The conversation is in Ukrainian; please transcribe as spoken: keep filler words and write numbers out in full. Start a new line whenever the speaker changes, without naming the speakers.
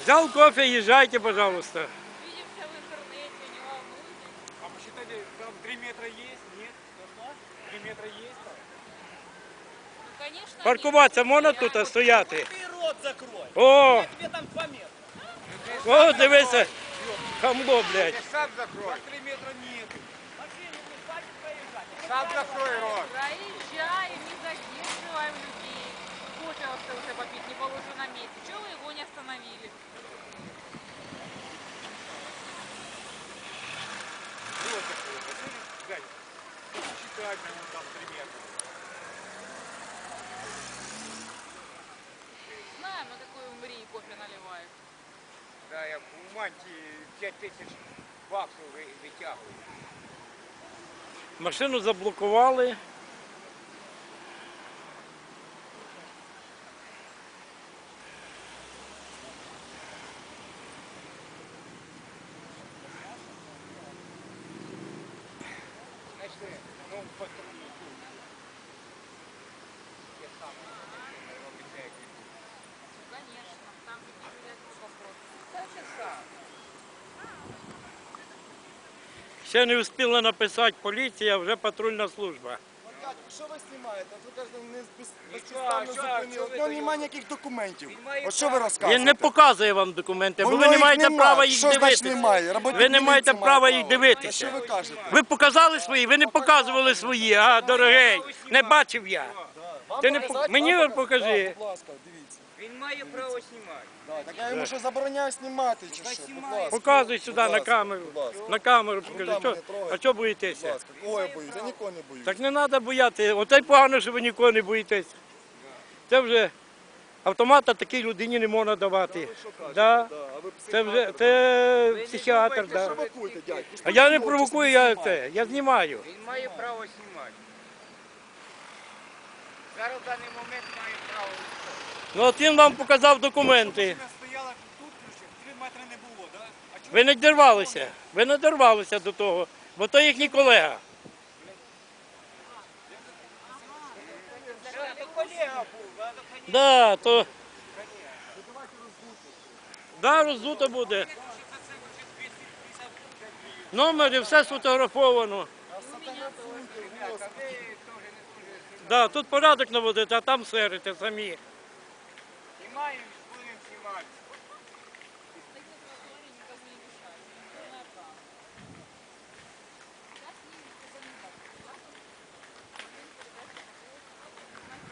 Взял кофе, езжайте, пожалуйста.
Видимся в интернете, не волнуйтесь.
А посчитали, там три метра есть? Нет? три метра есть там?
Ну, конечно,
Паркуватися
нет.
можна
Я
тут
вот-
стояти?
Ты рот закрой!
О,
Я тебе там два метра.
о, дивися, хамло, блядь.
Сам закрой.
три метра нет. Машину не хватит проезжать.
Сам закрой рот.
Проезжаем, не задерживаем людей. Кофе остался попить, не положу на месте. Чего вы его не остановили?
Вот закрой. Дядя, посчитать на нем там три метра.
Знаем, на какой умри кофе наливают.
Да, я в мантии п'ять тисяч баксів ви- витягую.
Машину заблокували.
Знаєте, ну, патрулі тут. Я сам робиться, як і тут.
Ну, конечно, там не решать вопрос.
Та це сам.
Ще не встигла написати поліція, вже патрульна служба.
Дядько, що ви знімаєте? От ви кажете, не без,
Нічого,
безпідставно
що-
зупинили.
що ви
От нього
даєте?
немає ніяких документів.
Він має
От що ви
право.
розказуєте?
Він не показує вам документи, бо
У
ви
нього
не
їх
маєте
нема.
права їх
Що значить
дивитися.
немає? Роботник
Ви не маєте
міліції
права
має
їх
право.
дивитися.
Та що ви кажете?
Ви показали свої, ви не показували свої, а, дорогий, не бачив я.
Вам
Ти не
показати?
пок- мені
Вам
от
показати?
покажи.
Да, будь ласка, дивіться.
Він має право знімати.
Да, так я йому що забороняю знімати чи
Хай
що? Будь
знімає.
ласка.
Показуй сюди
Будь
на
ласка,
камеру.
будь ласка.
На камеру
Ну,
покажи.
там
Чо-
мене трогайте.
А чого
Будь
боїтеся?
ласка, кого я боюсь? Я нікого не боюсь.
Так не треба бояти. Оте й погано, що ви нікого не боїтесь. Це вже автомата такій людині не можна давати. Да.
Да, а ви
Це
психіатр,
вже
да.
це психіатр.
Ви
Да.
провокуєте, дядько.
А я не
Що ви
провокую,
собі
я
знімаєте?
це, я знімаю.
Він має право знімати. Зараз в даний момент має право.
Ну от він вам показав документи.
Машина стояла тут, ключик, три метри не було, да? А чого
Ви не дорвалися. Ви не дорвалися до того, бо то їхній колега.
Це то колега був, да?
Да, то. Да, роздуто буде. Номери, все сфотографовано. Да, тут порядок наводити, а там серите самі.
Знімаємо